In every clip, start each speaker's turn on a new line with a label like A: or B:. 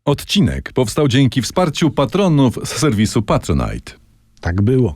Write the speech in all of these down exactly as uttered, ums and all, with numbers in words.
A: Odcinek powstał dzięki wsparciu patronów z serwisu Patronite.
B: Tak było.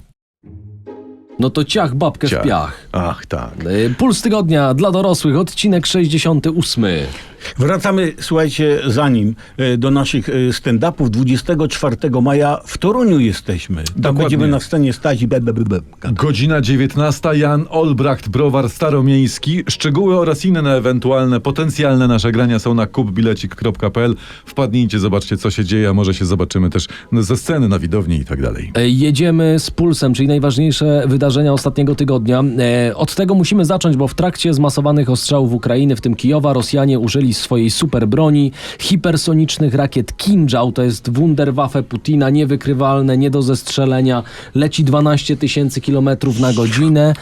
C: No to ciach babkę
A: Ciach.
C: w piach.
A: Ach, tak.
C: Y, Puls tygodnia dla dorosłych, odcinek sześćdziesiąty ósmy.
B: Wracamy, słuchajcie, zanim e, do naszych e, stand-upów. dwudziestego czwartego maja w Toruniu jesteśmy. Tam
A: Dokładnie.
B: będziemy na scenie stać i be, be, be, be.
A: Godzina dziewiętnasta. Jan Olbracht, Browar Staromiejski. Szczegóły oraz inne ewentualne potencjalne nasze grania są na kupbilecik kropka pe el. Wpadnijcie, zobaczcie, co się dzieje, a może się zobaczymy też ze sceny, na widowni i tak dalej.
C: Y, Jedziemy z Pulsem, czyli najważniejsze wydarzenia ostatniego tygodnia. Y, Od tego musimy zacząć, bo w trakcie zmasowanych ostrzałów Ukrainy, w tym Kijowa, Rosjanie użyli swojej super broni, hipersonicznych rakiet Kinżał, to jest Wunderwaffe Putina, niewykrywalne, nie do zestrzelenia, leci dwanaście tysięcy kilometrów na godzinę.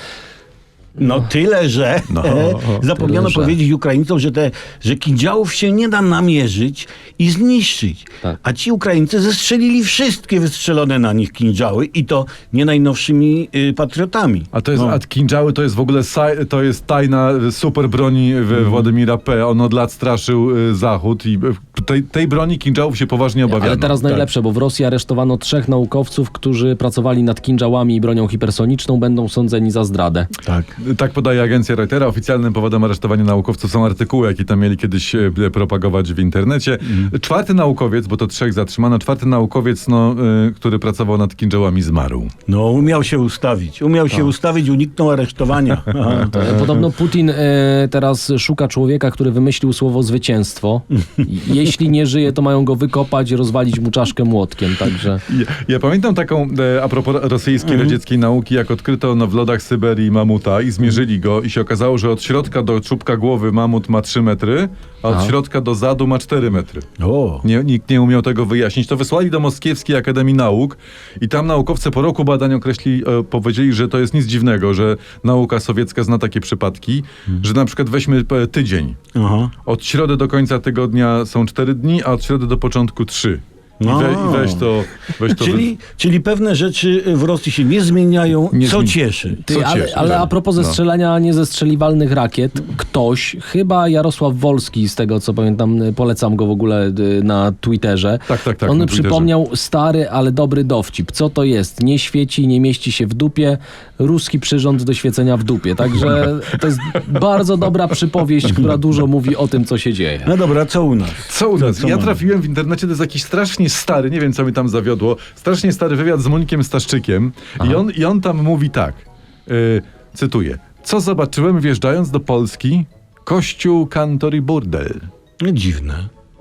B: No tyle, że
A: No,
B: e, zapomniano
C: tyle, że.
B: powiedzieć Ukraińcom, że te, że kindziałów się nie da namierzyć i zniszczyć.
C: Tak.
B: A ci Ukraińcy zestrzelili wszystkie wystrzelone na nich kindziały i to nie najnowszymi y, patriotami.
A: A to jest,
B: No.
A: a kinżały to jest w ogóle saj, to jest tajna y, super broni w Władimira P. On od lat straszył y, Zachód i y, tej, tej broni kinżałów się poważnie obawiano.
C: Ale teraz
A: Tak.
C: najlepsze, bo w Rosji aresztowano trzech naukowców, którzy pracowali nad kinżałami i bronią hipersoniczną, będą sądzeni za zdradę.
B: Tak.
A: Tak podaje agencja Reutera. Oficjalnym powodem aresztowania naukowców są artykuły, jakie tam mieli kiedyś e, propagować w internecie. Czwarty naukowiec, bo to trzech zatrzymano, czwarty naukowiec, no, y, który pracował nad kinżałami, zmarł.
B: No umiał się ustawić. Umiał się ustawić, uniknął aresztowania.
C: E, Podobno Putin e, teraz szuka człowieka, który wymyślił słowo zwycięstwo. Jeśli nie żyje, to mają go wykopać, rozwalić mu czaszkę młotkiem, także...
A: Ja, ja pamiętam taką, e, a propos rosyjskiej, radzieckiej nauki, jak odkryto no, w lodach Syberii mamuta i zmierzyli go i się okazało, że od środka do czubka głowy mamut ma trzy metry, a od
C: Aha.
A: środka do zadu ma cztery metry.
B: O.
A: Nie, nikt nie umiał tego wyjaśnić. To wysłali do Moskiewskiej Akademii Nauk i tam naukowcy po roku badań określili, e, powiedzieli, że to jest nic dziwnego, że nauka sowiecka zna takie przypadki, że na przykład weźmy e, tydzień.
B: Aha.
A: Od środy do końca tygodnia są cztery dni, a od środy do początku trzy. I,
B: No.
A: we, i weź to... Weź to
B: Czyli, czyli pewne rzeczy w Rosji się nie zmieniają,
A: Nie
B: co
A: zmieni-
B: cieszy.
C: Ty,
A: Co
C: ale,
A: cieszy,
C: ale
A: tak.
C: a propos
A: No.
C: zestrzelania niezestrzeliwalnych rakiet, ktoś, chyba Jarosław Wolski, z tego co pamiętam, polecam go w ogóle y, na Twitterze,
A: Tak, tak, tak,
C: on
A: na Twitterze.
C: przypomniał stary, ale dobry dowcip. Co to jest? Nie świeci, nie mieści się w dupie, ruski przyrząd do świecenia w dupie. Także to jest bardzo dobra przypowieść, która dużo mówi o tym, co się dzieje.
B: No dobra, co u nas?
A: Co u nas?
B: co
A: Ja
B: mamy?
A: trafiłem w internecie, to jest jakiś strasznie stary, nie wiem co mi tam zawiodło, strasznie stary wywiad z Monikiem Staszczykiem i on, i on tam mówi tak, y, cytuję, co zobaczyłem wjeżdżając do Polski? Kościół, kantor i burdel.
B: No, dziwne.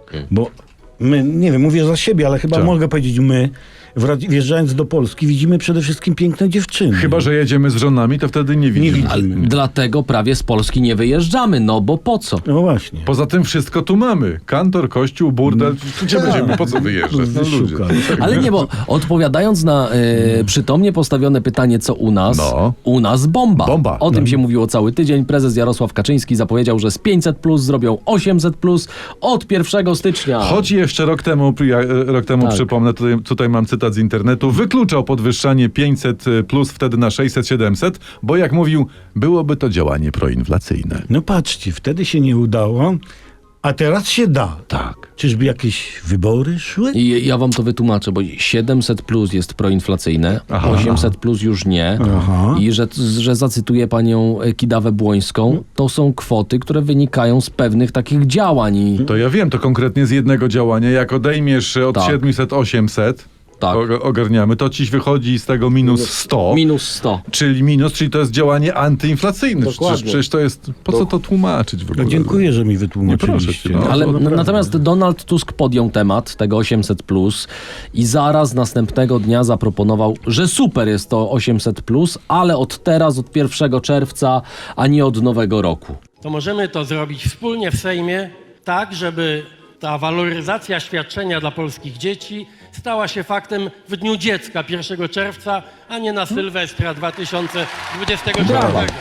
B: Bo my, nie wiem, mówię za siebie, ale chyba
A: Co?
B: mogę powiedzieć my, wra- wjeżdżając do Polski, widzimy przede wszystkim piękne dziewczyny.
A: Chyba że jedziemy z żonami, to wtedy nie widzimy.
B: widzimy.
C: Ale dlatego prawie z Polski nie wyjeżdżamy, no bo po co?
B: No właśnie.
A: Poza tym wszystko tu mamy. Kantor, kościół, burdel. Gdzie będziemy? Po co wyjeżdżać? No, ludzie.
B: Wyszukać.
C: Ale nie, bo odpowiadając na e, przytomnie postawione pytanie, co u nas,
A: No.
C: u nas bomba.
A: Bomba.
C: O tym się mówiło cały tydzień. Prezes Jarosław Kaczyński zapowiedział, że z pięćset plus zrobią osiemset plus od pierwszego stycznia.
A: Choć jeszcze rok temu, ja, rok temu
C: Tak.
A: przypomnę, tutaj, tutaj mam cytat z internetu, wykluczał podwyższanie pięćset plus wtedy na sześćset siedemset, bo jak mówił, byłoby to działanie proinflacyjne.
B: No patrzcie, wtedy się nie udało, a teraz się da.
A: Tak.
B: Czyżby jakieś wybory szły?
C: I ja wam to wytłumaczę, bo siedemset plus jest proinflacyjne,
A: Aha.
C: osiemset plus już nie.
B: Aha.
C: I że, że zacytuję panią Kidawę Błońską, to są kwoty, które wynikają z pewnych takich działań. I
A: To ja wiem, to konkretnie z jednego działania. Jak odejmiesz od
C: Tak.
A: siedemset osiemset,
C: Tak.
A: o- ogarniamy, to ci wychodzi z tego minus sto.
C: minus sto.
A: Czyli minus, czyli to jest działanie antyinflacyjne.
C: Dokładnie.
A: Przecież, przecież to jest, po co to tłumaczyć w ogóle?
B: No, dziękuję, że mi
A: Nie
B: wytłumaczyliście.
A: proszę cię, no.
C: Ale
A: to
C: n-
A: naprawdę.
C: natomiast Donald Tusk podjął temat tego osiemset plus i zaraz następnego dnia zaproponował, że super jest to osiemset plus, ale od teraz, od pierwszego czerwca, a nie od nowego roku.
D: To możemy to zrobić wspólnie w Sejmie, tak żeby ta waloryzacja świadczenia dla polskich dzieci stała się faktem w Dniu Dziecka pierwszego czerwca, a nie na Sylwestra dwa tysiące dwudziestego czwartego.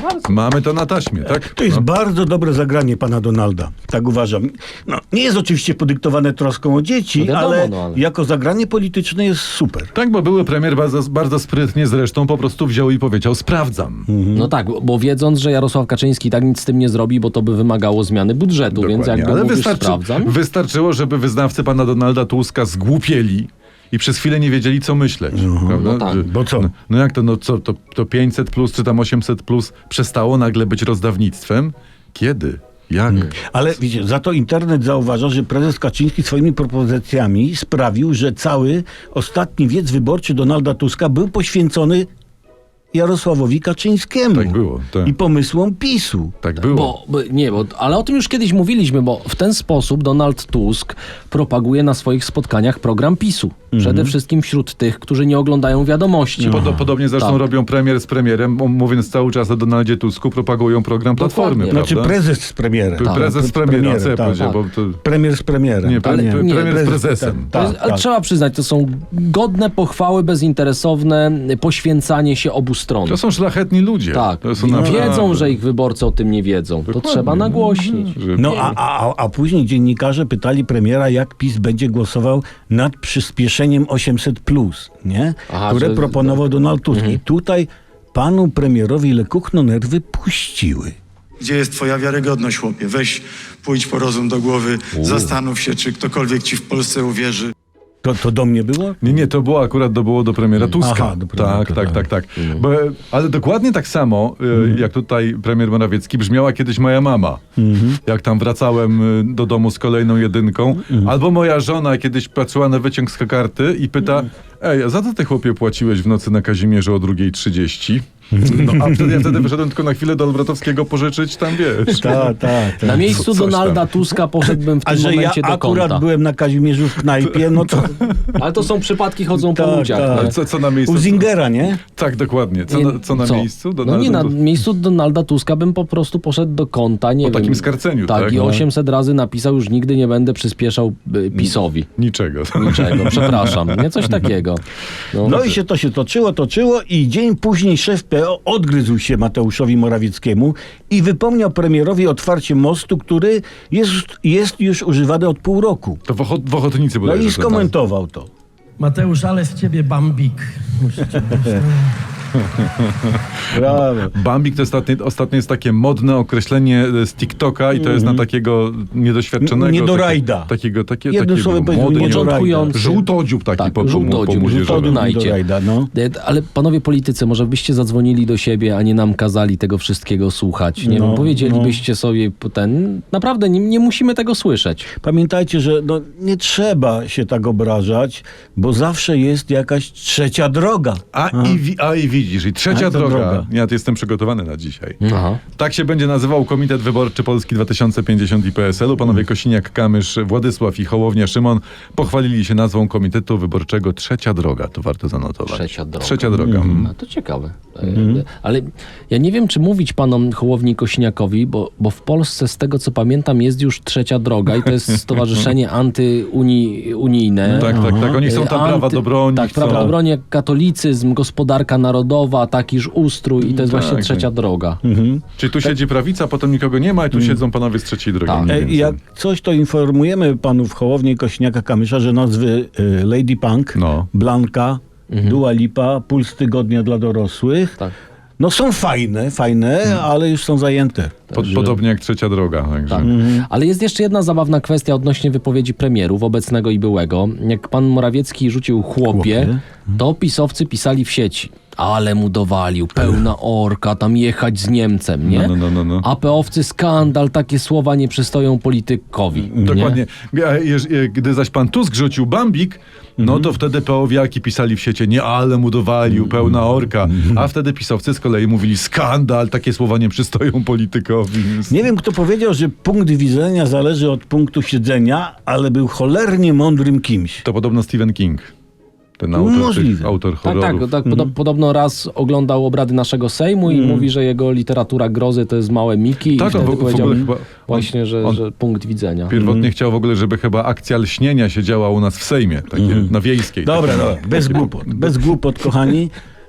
A: Mamy to na taśmie, tak?
B: To jest
A: No.
B: bardzo dobre zagranie pana Donalda. Tak uważam. No, nie jest oczywiście podyktowane troską o dzieci,
C: No wiadomo,
B: ale,
C: no ale-
B: jako zagranie polityczne jest super.
A: Tak, bo były premier bardzo, bardzo sprytnie zresztą po prostu wziął i powiedział sprawdzam.
C: No tak, bo wiedząc, że Jarosław Kaczyński tak nic z tym nie zrobi, bo to by wymagało zmiany budżetu, więc
A: Dokładnie.
C: jakby
A: Ale
C: mówisz,
A: wystarczy,
C: sprawdzam.
A: wystarczyło, żeby wyznawcy pana Donalda Tuska zgłupieli i przez chwilę nie wiedzieli, co myśleć. Prawda?
C: no tak.
A: Że-
B: Bo co?
A: No, no jak to, no co, to, to pięćset plus czy tam osiemset plus przestało nagle być rozdawnictwem? Kiedy? Jak?
B: Ale wiecie, za to internet zauważa, że prezes Kaczyński swoimi propozycjami sprawił, że cały ostatni wiec wyborczy Donalda Tuska był poświęcony Jarosławowi Kaczyńskiemu
A: Tak było, tak.
B: i pomysłom PiSu.
A: Tak było.
C: Bo, bo, nie, bo, ale o tym już kiedyś mówiliśmy, bo w ten sposób Donald Tusk propaguje na swoich spotkaniach program PiSu. Przede wszystkim wśród tych, którzy nie oglądają wiadomości.
A: Podo- podobnie zresztą
C: Tak.
A: robią premier z premierem, m- mówiąc cały czas o Donaldzie Tusku, propagują program Platformy,
C: Dokładnie.
A: prawda?
B: Znaczy prezes z premierem.
A: Pre- prezes z premierem, co ja
B: tak,
A: powiedział,
B: tak.
A: bo to...
B: Premier z premierem.
A: Nie, pre-
C: Ale
A: pre-
C: nie,
A: premier z
B: prezes-
A: prezesem.
B: tak,
C: To jest, ale
B: tak.
C: trzeba przyznać, to są godne pochwały, bezinteresowne poświęcanie się obu stron.
A: To są szlachetni ludzie.
C: Tak,
A: To są
C: wiedzą,
A: naprawdę-
C: że ich wyborcy o tym nie wiedzą. To
A: Dokładnie.
C: trzeba nagłośnić.
A: Że-
B: No a, a, a później dziennikarze pytali premiera, jak PiS będzie głosował nad przyspieszeniem osiemset plus, nie?
C: Aha,
B: które
C: że-
B: proponował Donald Tusk.
A: Mhm.
B: I tutaj panu premierowi lekkuchno nerwy puściły.
E: Gdzie jest twoja wiarygodność, chłopie? Weź, pójdź po rozum do głowy, zastanów się, czy ktokolwiek ci w Polsce uwierzy.
B: To, to do mnie było?
A: Nie, nie, to było akurat do, było do premiera Tuska.
B: Aha, do premiera,
A: tak, tak,
B: tak.
A: tak, tak. Bo, ale dokładnie tak samo, y, jak tutaj premier Morawiecki, brzmiała kiedyś moja mama. Jak tam wracałem y, do domu z kolejną jedynką. Albo moja żona kiedyś patrzyła na wyciąg z karty i pyta, ej, a za co ty chłopie płaciłeś w nocy na Kazimierzu o drugiej trzydzieści? No, a wtedy ja wtedy wyszedłem tylko na chwilę do Albratowskiego pożyczyć, tam wiesz.
B: Tak, tak.
C: Na miejscu
A: coś tam.
C: Donalda Tuska poszedłbym w
B: A
C: tym
B: że ja
C: momencie do
B: akurat
C: konta.
B: byłem na Kazimierzu w knajpie, no to
C: Ale to są przypadki, chodzą po
B: Tak,
C: ludziach.
B: tak.
C: nie?
A: Ale co, co na miejscu?
B: u Zingera, nie?
A: Tak, dokładnie. Co,
C: Nie,
A: na, co na miejscu?
C: No nie, na
A: Donalda-
C: miejscu Donalda Tuska bym po prostu poszedł do konta, nie
A: Po
C: wiem.
A: takim skarceniu,
C: tak?
A: tak?
C: i
A: No.
C: osiemset razy napisał, już nigdy nie będę przyspieszał y, PiSowi.
A: Niczego.
C: Niczego, przepraszam. Nie coś takiego. No,
B: No i się to się toczyło, toczyło i dzień później szef P O odgryzł się Mateuszowi Morawieckiemu i wypomniał premierowi otwarcie mostu, który jest, jest już używany od pół roku.
A: To w, ochot, w Ochotnicy
B: No
A: bodajże
B: i
A: to-
B: skomentował to.
D: Mateusz, ale z ciebie bambik. Muszę cię
B: Brawo.
A: Bambik to ostatnio, ostatnio jest takie modne określenie z TikToka i to jest na takiego niedoświadczonego.
B: N- niedorajda.
A: Taki, takiego, takie,
B: Jednym
A: takiego
B: słowem powiedział
A: młody,
B: niedorajda.
C: Początkujący.
A: żółtodziób taki
C: Tak,
A: po, po,
C: żółtodziób,
A: po młodzieżowym.
C: żółtodziób. Znajdzie.
B: Niedorajda, no.
C: E, Ale panowie politycy, może byście zadzwonili do siebie, a nie nam kazali tego wszystkiego słuchać. Nie
B: No,
C: wiem, powiedzielibyście sobie ten... Naprawdę, nie, nie musimy tego słyszeć.
B: Pamiętajcie, że no, nie trzeba się tak obrażać, bo zawsze jest jakaś trzecia droga.
A: A i, wi- a i widzisz, i trzecia
B: A to
A: droga.
B: droga.
A: Ja tu jestem przygotowany na dzisiaj.
C: Aha.
A: Tak się będzie nazywał Komitet Wyborczy Polski dwa tysiące pięćdziesiąt i P S L-u. Panowie Kosiniak-Kamysz, Władysław i Hołownia Szymon pochwalili się nazwą Komitetu Wyborczego Trzecia Droga. To warto zanotować.
C: Trzecia droga.
A: Trzecia droga. Mm.
C: A to ciekawe. E, Ale ja nie wiem, czy mówić panom Hołowni i Kosiniakowi, bo, bo w Polsce, z tego co pamiętam, jest już Trzecia Droga i to jest stowarzyszenie antyunijne.
A: Tak, tak, tak. Oni chcą tam
C: E,
A: prawa
C: anty-
A: do broni.
C: Tak,
A: chcą...
C: prawa do broni, jak katolicyzm, gospodarka narodowa, takiż ustrój i to jest
A: Tak,
C: właśnie
A: tak.
C: Trzecia Droga.
A: Czyli tu siedzi prawica, potem nikogo nie ma i tu siedzą panowie z trzeciej drogi.
C: Tak.
A: mniej
B: E,
A: więcej.
B: Jak coś, to informujemy panów Hołownię i Kośniaka-Kamysza, że nazwy e, Lady Punk,
A: No.
B: Blanka, Dua Lipa, Puls Tygodnia dla dorosłych,
C: Tak.
B: no są fajne, fajne, ale już są zajęte.
A: Pod, podobnie jak Trzecia Droga. Także.
C: Tak. Ale jest jeszcze jedna zabawna kwestia odnośnie wypowiedzi premierów, obecnego i byłego. Jak pan Morawiecki rzucił chłopie,
B: Chłopie.
C: to pisowcy pisali w sieci. Ale mu dowalił, pełna orka, tam jechać z Niemcem, nie?
A: No, no, no, no.
C: A peowcy skandal, takie słowa nie przystoją politykowi. nie?
A: Dokładnie. A jeż- e, Gdy zaś pan Tusk rzucił Bambik, no to wtedy peowiaki pisali w sieci, nie ale mu dowalił, pełna orka. A wtedy pisowcy z kolei mówili skandal, takie słowa nie przystoją politykowi.
B: Nie wiem, kto powiedział, że punkt widzenia zależy od punktu siedzenia, ale był cholernie mądrym kimś.
A: To podobno Stephen King. Ten autor,
B: Możliwe.
A: tych, autor
C: Tak,
A: horrorów.
C: tak, tak podo- podobno raz oglądał obrady naszego Sejmu i mówi, że jego literatura grozy to jest małe Miki
A: Tak,
C: i wtedy
A: on w- w
C: powiedział
A: ogóle chyba-
C: właśnie, że,
A: on-
C: że punkt widzenia.
A: Pierwotnie chciał w ogóle, żeby chyba akcja lśnienia się działa u nas w Sejmie, takie na Wiejskiej.
B: Dobra,
A: takie,
B: dobra, bez głupot, bez głupot, kochani.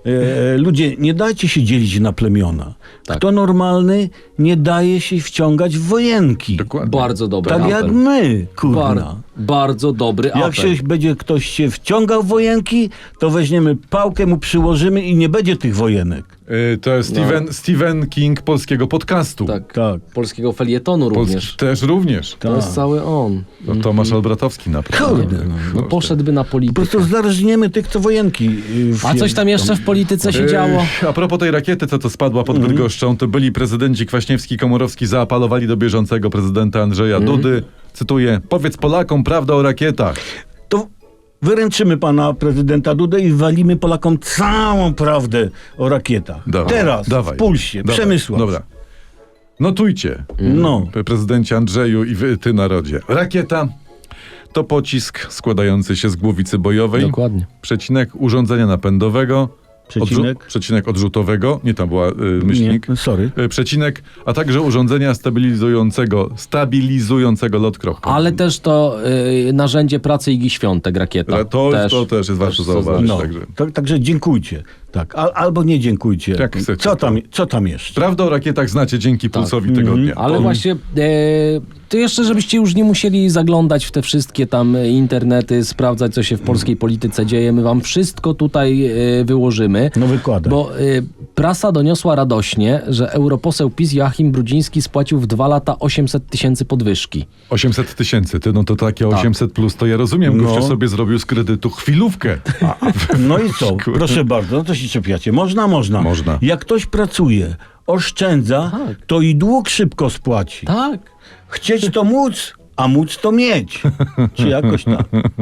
B: E, ludzie, nie dajcie się dzielić na plemiona.
C: Tak.
B: Kto normalny, nie daje się wciągać w wojenki.
A: Dokładnie.
C: Bardzo dobry
B: Tak
C: apel.
B: jak my, kurna.
C: Bar- bardzo dobry apel.
B: Jak się będzie ktoś się wciągał w wojenki, to weźmiemy pałkę, mu przyłożymy i nie będzie tych wojenek.
A: Y, to jest Stephen, Stephen King polskiego podcastu.
C: Tak.
B: Tak.
C: Polskiego felietonu
A: Pols-
C: również.
A: Też również.
C: To jest cały on.
A: No, Tomasz Albratowski naprawdę.
B: Kurde,
C: No, poszedłby na
B: Po
C: politykę.
B: prostu zarżniemy tych, co wojenki. y, w-
C: A coś tam jeszcze w polityce się
A: Y,
C: działo?
A: A propos tej rakiety, co to spadła pod
B: Mhm.
A: Bydgoszczą, to byli prezydenci Kwaśniewski i Komorowski zaapelowali do bieżącego prezydenta Andrzeja
B: Mhm.
A: Dudy. Cytuję, powiedz Polakom prawdę o rakietach.
B: To wyręczymy pana prezydenta Dudę i walimy Polakom całą prawdę o rakietach.
A: Dawaj,
B: Teraz,
A: dawaj.
B: w pulsie,
A: Dawaj,
B: Przemysław.
A: Dobra. Notujcie,
B: No.
A: prezydencie Andrzeju i wy, ty narodzie. Rakieta to pocisk składający się z głowicy bojowej,
C: Dokładnie.
A: przecinek urządzenia napędowego,
B: Przecinek?
A: Odrzu- przecinek odrzutowego, nie tam była y, myślnik,
B: Nie, sorry.
A: y, przecinek, a także urządzenia stabilizującego, stabilizującego lot kropką.
C: Ale też to y, narzędzie pracy Igi Świątek, rakieta.
A: Ale to, to też jest warto
C: też
A: zauważyć.
B: No,
A: Także.
B: to, także dziękujcie. Tak, al, albo nie dziękujcie.
A: Jak chcecie.
B: Co tam, co tam jeszcze?
A: Prawda o rakietach znacie dzięki Pulsowi Tygodnia.
C: Tak. Ale
A: To-
C: właśnie, e, to jeszcze, żebyście już nie musieli zaglądać w te wszystkie tam e, internety, sprawdzać, co się w polskiej polityce dzieje. My wam wszystko tutaj e, wyłożymy.
B: No wykładaj.
C: Bo e, prasa doniosła radośnie, że europoseł PiS Joachim Brudziński spłacił w dwa lata osiemset tysięcy podwyżki.
A: osiemset tysięcy, ty, no to takie
C: Tak.
A: osiemset plus, to ja rozumiem,
B: No.
A: gościu sobie zrobił z kredytu chwilówkę.
B: No i co? Proszę bardzo, no to się czepiacie. Można, można.
A: Można.
B: Jak ktoś pracuje, oszczędza,
C: Tak.
B: to i dług szybko spłaci.
C: Tak.
B: Chcieć to móc, a móc to mieć. Czy jakoś tak.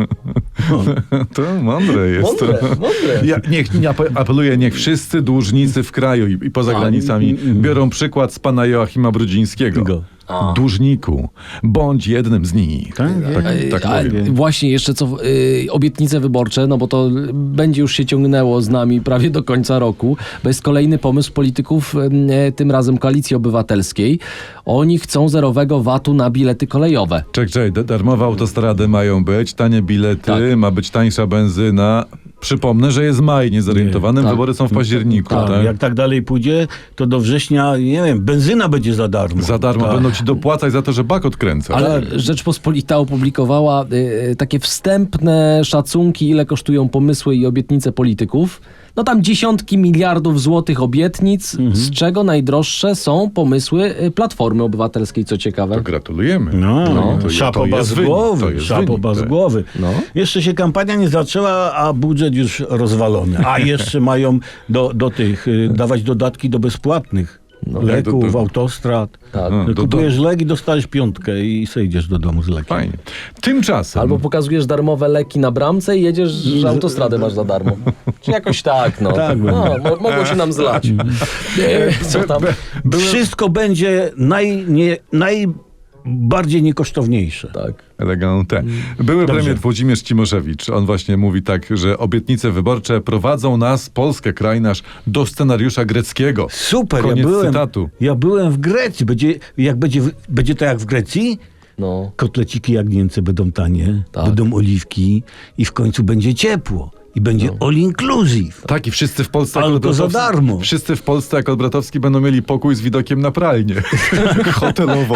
A: To mądre jest.
C: Mądre,
A: to.
C: mądre.
A: Ja, niech, nie ape- apeluję, niech wszyscy dłużnicy w kraju i, i poza granicami biorą przykład z pana Joachima Brudzińskiego.
B: Go.
A: Dłużniku, bądź jednym z nich.
B: Tak?
A: tak, tak
C: A,
A: mówię.
C: właśnie jeszcze co y, obietnice wyborcze, no bo to będzie już się ciągnęło z nami prawie do końca roku, bo jest kolejny pomysł polityków, y, tym razem Koalicji Obywatelskiej. Oni chcą zerowego vatu na bilety kolejowe.
A: Czek, czek, da- darmowe autostrady mają być, tanie bilety,
C: Tak.
A: ma być tańsza benzyna. Przypomnę, że jest maj, niezorientowanym,
C: Nie, tak.
A: wybory są w październiku.
B: Tak,
A: Tak,
B: jak tak dalej pójdzie, to do września, nie wiem, benzyna będzie za darmo.
A: Za darmo
B: Tak.
A: będą ci dopłacać za to, że bak odkręcasz.
C: Ale Rzeczpospolita opublikowała y, takie wstępne szacunki, ile kosztują pomysły i obietnice polityków. No tam dziesiątki miliardów złotych obietnic, z czego najdroższe są pomysły y, Platformy Obywatelskiej, co ciekawe.
A: To gratulujemy.
B: No,
A: To- to
B: szapoba
A: jest
B: z
A: wynik, to
B: głowy,
A: jest
B: szapoba
A: wynik,
B: z
A: tak.
B: głowy.
C: No.
B: Jeszcze się kampania nie zaczęła, a budżet już rozwalony. A jeszcze mają do, do tych, y, dawać dodatki do bezpłatnych leków,
A: do- do-
B: autostrad.
C: Tak.
A: No, do-
B: Kupujesz lek i dostajesz piątkę i sejdziesz do domu z lekiem.
A: Fajnie. Tymczasem...
C: Albo pokazujesz darmowe leki na bramce i jedziesz, że autostradę masz za darmo. Czy jakoś tak, no.
B: Tak,
C: no mo- mogło się nam zlać. E, Co tam?
B: Wszystko będzie naj, nie, najbardziej niekosztowniejsze.
C: Tak.
A: Elegante. Były
B: Dobrze.
A: premier Włodzimierz Cimoszewicz. On właśnie mówi tak, że obietnice wyborcze prowadzą nas, Polskę, kraj nasz, do scenariusza greckiego.
B: Super,
A: Koniec
B: ja byłem,
A: cytatu.
B: ja byłem w Grecji. Będzie, jak będzie, w- będzie to jak w Grecji?
C: No.
B: Kotleciki jagnięce będą tanie,
C: Tak.
B: będą oliwki i w końcu będzie ciepło. I będzie
A: No.
B: all inclusive.
A: Tak, i wszyscy w Polsce...
B: Ale
A: jak
B: to za
A: Olbratowski-
B: darmo.
A: Wszyscy w Polsce, jak Olbratowski, będą mieli pokój z widokiem na pralnię. Hotelową.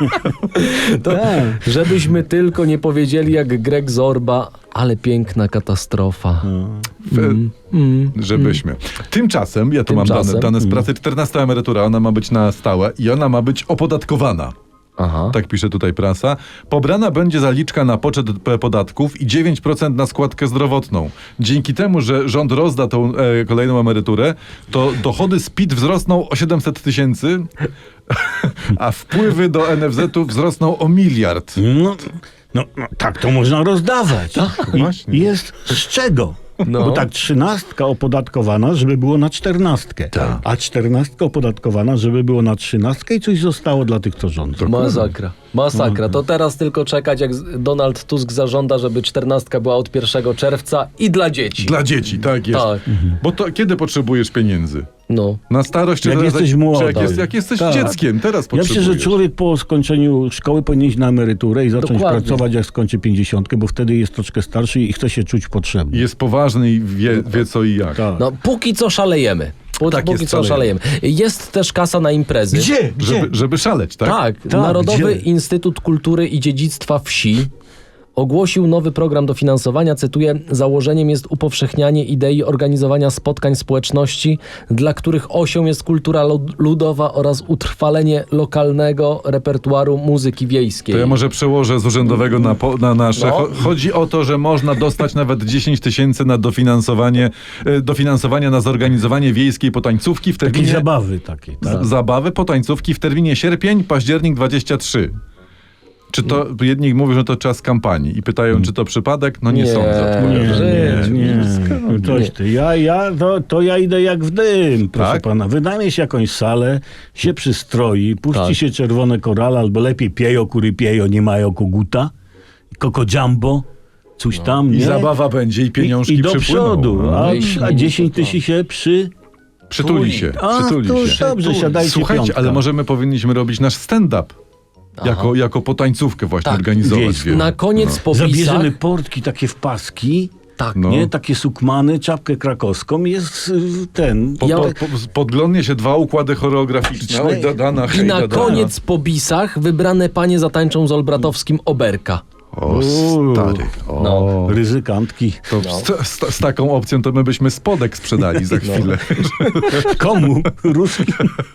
B: Tak.
C: Żebyśmy tylko nie powiedzieli jak Greg Zorba, ale piękna katastrofa.
A: W- Żebyśmy. Tymczasem, ja tu mam
C: Tymczasem.
A: dane, dane z pracy, czternasta emerytura, ona ma być na stałe i ona ma być opodatkowana.
C: Aha.
A: Tak pisze tutaj prasa. Pobrana będzie zaliczka na poczet p- podatków i dziewięć procent na składkę zdrowotną. Dzięki temu, że rząd rozda tą e, kolejną emeryturę, to dochody z P I T wzrosną o siedemset tysięcy, a wpływy do N F Z-u wzrosną o miliard.
B: No, no, no tak to można rozdawać. I,
A: właśnie.
B: jest z czego?
C: No.
B: Bo tak trzynastka opodatkowana, żeby było na czternastkę. A czternastka opodatkowana, żeby było na trzynastkę i coś zostało dla tych, co rządzą.
C: Masakra. Masakra. To teraz tylko czekać, jak z- Donald Tusk zażąda, żeby czternastka była od pierwszego czerwca i dla dzieci.
A: Dla dzieci, tak jest.
C: Tak.
A: Bo to kiedy potrzebujesz pieniędzy?
C: No.
A: Na starość? Czy
B: Jak
A: teraz-
B: jesteś
A: czy
B: młody.
A: Jak, jest, jak jesteś
B: Tak.
A: dzieckiem, teraz
B: Ja
A: potrzebujesz.
B: myślę, że człowiek po skończeniu szkoły powinien iść na emeryturę i zacząć
C: Dokładnie.
B: pracować, jak skończy pięćdziesiątkę, bo wtedy jest troszkę starszy i chce się czuć potrzebny.
A: Jest poważny i wie, wie co i jak.
B: Tak.
C: No, póki co szalejemy. Pó-
A: Tak
C: póki
A: jest,
C: co
A: szalejemy.
C: szalejemy. Jest też kasa na imprezy.
B: Gdzie?
A: Żeby, żeby szaleć, tak?
C: Tak,
B: Tak,
C: Narodowy
B: gdzie?
C: Instytut Kultury i Dziedzictwa Wsi ogłosił nowy program dofinansowania. Cytuję: założeniem jest upowszechnianie idei organizowania spotkań społeczności, dla których osią jest kultura lud- ludowa oraz utrwalenie lokalnego repertuaru muzyki wiejskiej.
A: To ja może przełożę z urzędowego na, po, na nasze.
C: No.
A: Cho- Chodzi o to, że można dostać nawet dziesięć tysięcy na dofinansowanie, e, dofinansowanie na zorganizowanie wiejskiej potańcówki w
B: Takiej
A: terminie...
B: zabawy takiej, tak?
A: z- Zabawy potańcówki w terminie sierpień, październik dwudziesty trzeci. Czy to, jedni mówią, że to czas kampanii i pytają, czy to przypadek? No nie,
C: Nie.
A: sądzę.
B: Nie,
A: odpowiadam.
B: nie, nie. Coś ty. Ja, ja, to, to ja idę jak w dym, proszę
A: Tak?
B: pana. Wynajmie się jakąś salę, się przystroi, puści
C: Tak.
B: się czerwone korale, albo lepiej piejo, kury piejo, nie mają koguta, koko jumbo, coś tam,
A: I
B: nie?
A: zabawa będzie, i pieniążki
B: I, i do
A: przypłyną.
B: przodu,
A: No.
B: a,
C: Myśli,
B: a dziesięć
C: to-
B: tysięcy się przy...
A: Przytuli się,
B: A,
A: przytuli
B: to
A: się.
B: dobrze, siadajcie
A: Słuchajcie,
B: piątka.
A: ale może my powinniśmy robić nasz stand-up. Jako, jako potańcówkę właśnie
C: Tak,
A: organizować.
B: wiejską.
A: wiele.
C: Na koniec po wisach...
B: Zabierzemy portki takie w paski,
C: Tak.
A: No.
B: nie? Takie sukmany, czapkę krakowską, jest y, ten...
A: Po,
C: Ja-
A: po, po, podglądnie się dwa układy choreograficzne. Oj, Dadana,
C: I
A: hej,
C: na
A: Dadana.
C: koniec po bisach wybrane panie zatańczą z Olbratowskim Oberka.
A: O, stary. O.
C: No.
B: Ryzykantki.
A: To z, z, z taką opcją to my byśmy spodek sprzedali za chwilę.
B: Komu? Ruskim?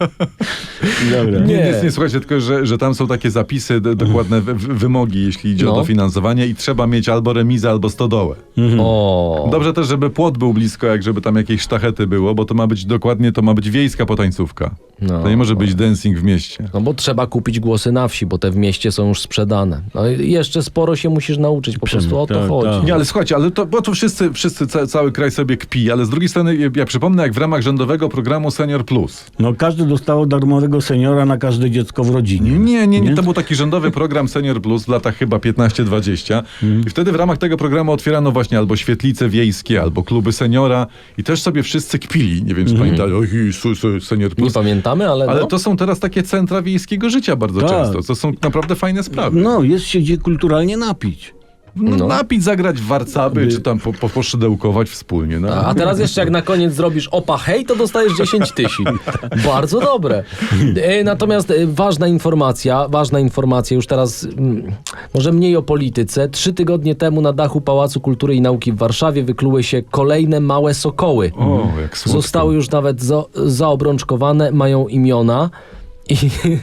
B: Dobra.
A: Nie,
C: Nie.
A: nic nie, słuchajcie, tylko że, że tam są takie zapisy, d- dokładne w, w, wymogi, jeśli idzie
C: No.
A: o dofinansowanie i trzeba mieć albo remizę, albo stodołę.
C: O.
A: Dobrze też, żeby płot był blisko, jak żeby tam jakieś sztachety było, bo to ma być dokładnie, to ma być wiejska potańcówka.
C: No.
A: To nie może być dancing w mieście.
C: No bo trzeba kupić głosy na wsi, bo te w mieście są już sprzedane. No i jeszcze sporo się musisz nauczyć, po prostu o to
B: tak,
C: chodzi.
B: tak.
A: Nie, ale słuchajcie, ale to, bo to wszyscy, wszyscy ca, cały kraj sobie kpi, ale z drugiej strony ja, ja przypomnę, jak w ramach rządowego programu Senior Plus.
B: No każdy dostało darmowego seniora na każde dziecko w rodzinie.
A: Nie, nie, nie, to był taki rządowy program Senior Plus w latach chyba piętnaście dwadzieścia i wtedy w ramach tego programu otwierano właśnie albo świetlice wiejskie, albo kluby seniora i też sobie wszyscy kpili. Nie wiem, czy pamiętacie, oj, su, su, Senior
C: Nie
A: Plus.
C: pamiętamy, ale,
A: Ale
C: no.
A: to są teraz takie centra wiejskiego życia bardzo
B: Tak.
A: często. To są naprawdę fajne sprawy.
B: No, jest się gdzie kulturalnie napić.
A: No,
C: no.
A: Napić, zagrać w warcaby, czy tam po, po, poszydełkować wspólnie. No.
C: A teraz jeszcze jak na koniec zrobisz opa hej, to dostajesz dziesięć tysięcy. Bardzo dobre. E, Natomiast e, ważna informacja, ważna informacja, już teraz mm, może mniej o polityce. Trzy tygodnie temu na dachu Pałacu Kultury i Nauki w Warszawie wykluły się kolejne małe sokoły.
A: O, jak słodko.
C: Zostały już nawet za, zaobrączkowane, mają imiona. I,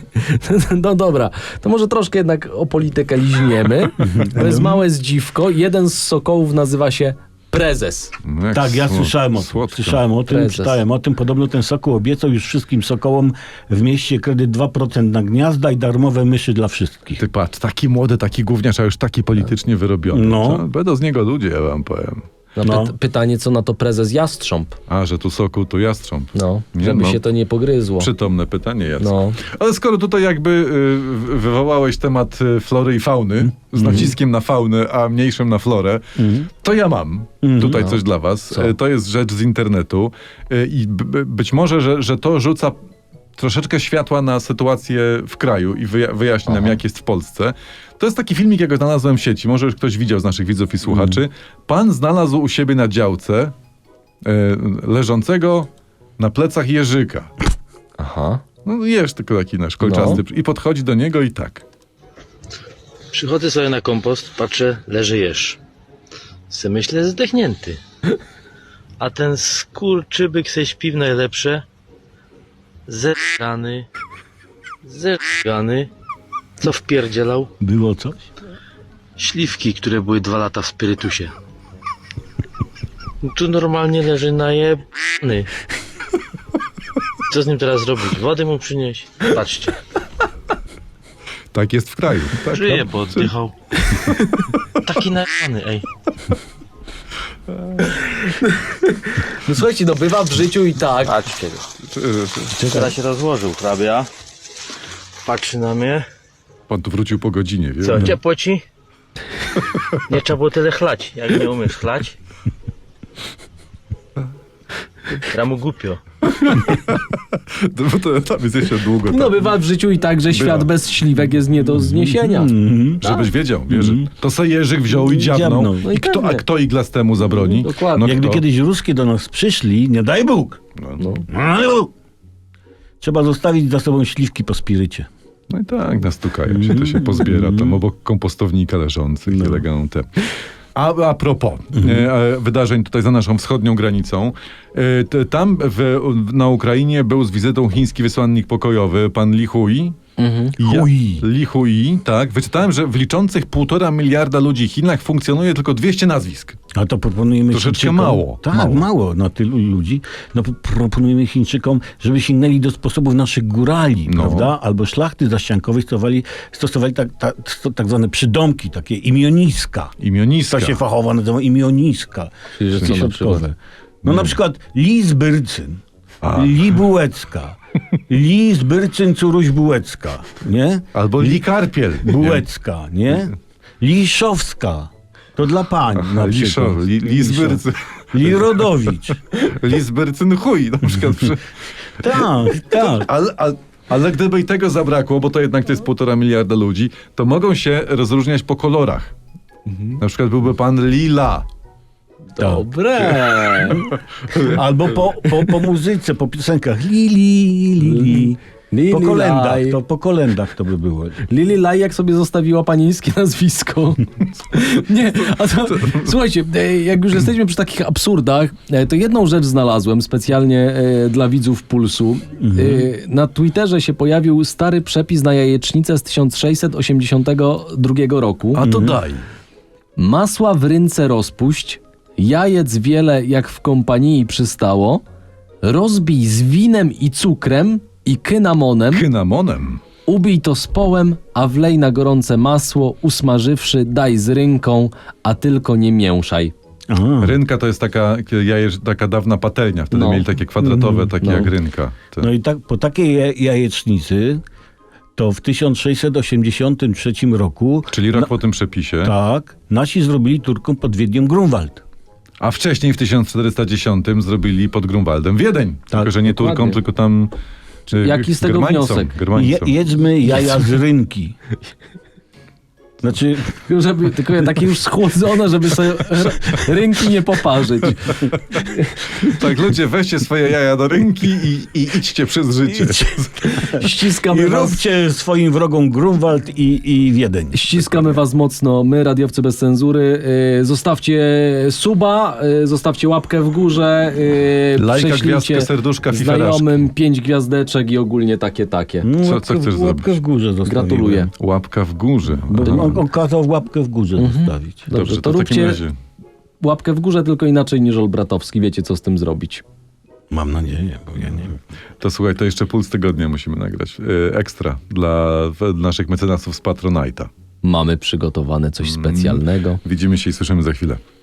C: no dobra, to może troszkę jednak o politykę liźniemy. To jest małe zdziwko. Jeden z sokołów nazywa się Prezes.
A: No, jak
B: Tak, ja
A: słod-
B: słyszałem o,
A: słodko.
B: słyszałem o tym,
C: Prezes.
B: czytałem o tym. Podobno ten sokół obiecał już wszystkim sokołom w mieście kredyt dwa procent na gniazda i darmowe myszy dla wszystkich.
A: Ty patrz, taki młody, taki gówniarz, a już taki politycznie wyrobiony.
B: No.
A: Co? Będą z niego ludzie, ja wam powiem.
C: No,
B: No.
C: py- pytanie, co na to prezes Jastrząb?
A: A, że tu sokół, tu jastrząb.
C: No,
A: Nie,
C: żeby
A: no.
C: się to nie pogryzło.
A: Przytomne pytanie jest.
C: No.
A: Ale skoro tutaj jakby y, wywołałeś temat y, flory i fauny, z naciskiem na faunę, a mniejszym na florę, to ja mam tutaj coś dla was.
C: Co?
A: Y, To jest rzecz z internetu y, i b- b- być może, że, że to rzuca troszeczkę światła na sytuację w kraju i wyja- wyjaśni nam, jak jest w Polsce. To jest taki filmik, jak go znalazłem w sieci. Może już ktoś widział z naszych widzów i słuchaczy. Pan znalazł u siebie na działce y, leżącego na plecach jeżyka.
C: Aha.
A: No jeż tylko taki nasz kolczasty. I podchodzi do niego i tak.
F: Przychodzę sobie na kompost, patrzę, leży jeż. Se myślę, zdechnięty. A ten skurczybyk se śpi w najlepsze. Zergany. Zergany. Co wpierdzielał?
B: Było coś?
F: Śliwki, które były dwa lata w spirytusie. Tu normalnie leży najebany. Co z nim teraz zrobić? Wody mu przynieść? Patrzcie,
A: Tak jest w kraju. Tak,
F: żyje,
A: no.
F: bo oddychał. Taki najebany, ej.
C: No słuchajcie, no bywa w życiu i tak.
F: Patrzcie.
A: Czy- czy-
F: Teraz się rozłożył hrabia. Patrzy na mnie.
A: Pan tu wrócił po godzinie, wie?
F: Co, ciepło ci? Nie trzeba było tyle chlać. Jak nie umiesz chlać? Ramu głupio.
A: No, bo to tam jest jeszcze długo.
C: No
A: tam.
C: bywa w życiu i tak, że świat bez śliwek jest nie do zniesienia.
A: Żebyś wiedział, wiesz, że to se Jerzyk wziął i dziabnął.
B: Dziabnął.
C: No i
A: I kto, a
C: pewnie.
A: kto iglastemu zabroni?
C: Dokładnie.
A: No
B: Jakby
A: kto?
B: kiedyś ruskie do nas przyszli, nie daj Bóg.
A: No,
C: No.
B: No, trzeba zostawić za sobą śliwki po spirycie.
A: no i tak, nastukają się, to się pozbiera tam obok kompostownika leżących,
B: No.
A: elegante. A, a propos e, e, wydarzeń tutaj za naszą wschodnią granicą, e, t, tam w, na Ukrainie był z wizytą chiński wysłannik pokojowy, pan Li Hui. Ja-
B: Hui.
A: Li Hui, tak. Wyczytałem, że w liczących półtora miliarda ludzi Chinach funkcjonuje tylko dwieście nazwisk.
B: A to proponujemy
A: Troszeczkę
B: Chińczykom,
A: mało,
B: Tak,
A: mało.
B: mało. na tylu ludzi. No p- proponujemy Chińczykom, żeby sięgnęli do sposobów naszych górali,
A: No.
B: prawda? Albo szlachty zaściankowej stosowali, stosowali tak, tak, tak zwane przydomki, takie imioniska.
A: Imioniska.
B: To się fachowo nazywa imioniska.
C: Czyli, że co na
B: Środkowe. No na przykład Lis Byrcyn,
A: A.
B: Li Bułecka, Lis Byrcyn Curuś Bułecka, nie?
A: Albo Li Karpiel.
B: Bułecka, nie? Liszowska. To dla pań na
A: Liszo,
B: przykład.
A: li, Lisbyrcy.
B: Lirodowicz.
A: Lisbyrcyn chuj, na przykład. Przy...
B: Tak, tak.
A: Ale, ale, ale gdyby i tego zabrakło, bo to jednak to jest półtora miliarda ludzi, to mogą się rozróżniać po kolorach. Na przykład byłby pan Lila.
C: Dobre.
B: Albo po, po, po muzyce, po piosenkach. Lili, Lili.
C: Lili
B: Po kolendach,
C: Laj.
B: to, po kolendach to by było.
C: Lili Laj, jak sobie zostawiła panieńskie nazwisko. Nie, a to, słuchajcie, e, jak już jesteśmy przy takich absurdach, e, to jedną rzecz znalazłem specjalnie e, dla widzów Pulsu. E, Na Twitterze się pojawił stary przepis na jajecznicę z tysiąc sześćset osiemdziesiątego drugiego roku.
A: A to daj.
C: Masła w rynce rozpuść, jajec wiele jak w kompanii przystało, rozbij z winem i cukrem i kynamonem,
A: Kynamonem.
C: ubij to z połem, a wlej na gorące masło, usmażywszy, daj z rynką, a tylko nie mięszaj.
B: Aha.
A: Rynka to jest taka, jajecz, taka dawna patelnia. Wtedy
C: No.
A: mieli takie kwadratowe, takie
C: No.
A: jak rynka. Te.
B: No i tak, po takiej ja- jajecznicy to w tysiąc sześćset osiemdziesiątym trzecim roku
A: Czyli rok po tym przepisie.
B: tak, nasi zrobili Turkom pod Wiedniem Grunwald.
A: A wcześniej w tysiąc czterysta dziesiątym zrobili pod Grunwaldem Wiedeń. tylko, że nie
C: dokładnie.
A: Turkom, tylko tam... Czy
C: Jaki z tego
A: Germańcom,
C: wniosek?
B: Je,
A: Germańcom.
B: jedzmy jaja z rynki. Znaczy,
C: Żeby, tylko takie już schłodzone, żeby sobie r- rynki nie poparzyć.
A: Tak, ludzie, weźcie swoje jaja do rynki i, i idźcie przez życie.
B: i
C: Ściskamy was,
B: róbcie swoim wrogom Grunwald i, i Wiedeń.
C: ściskamy was mocno, my, radiowcy bez cenzury. Yy, zostawcie suba, yy, zostawcie łapkę w górze, yy,
A: Lajka,
C: prześlijcie
A: gwiazdkę, serduszka, fiferaszki.
C: znajomym, pięć gwiazdeczek i ogólnie takie, takie.
B: No,
A: Co-
B: łapkę
A: co
B: w-
A: chcesz
B: Łapkę
A: zrobić?
B: w górze zostawiłem.
C: Gratuluję.
A: Łapka w górze.
B: Bo
A: Aha.
B: on, on kazał łapkę w górze zostawić.
C: Dobrze,
A: Dobrze,
C: to,
A: to w takim
C: róbcie
A: razie.
C: łapkę w górze, tylko inaczej niż Olbratowski. Wiecie, co z tym zrobić.
B: Mam nadzieję, bo ja nie wiem.
A: To słuchaj, to jeszcze puls tygodnia musimy nagrać. Yy, ekstra dla w- naszych mecenasów z Patronite'a.
C: Mamy przygotowane coś specjalnego.
A: Widzimy się i słyszymy za chwilę.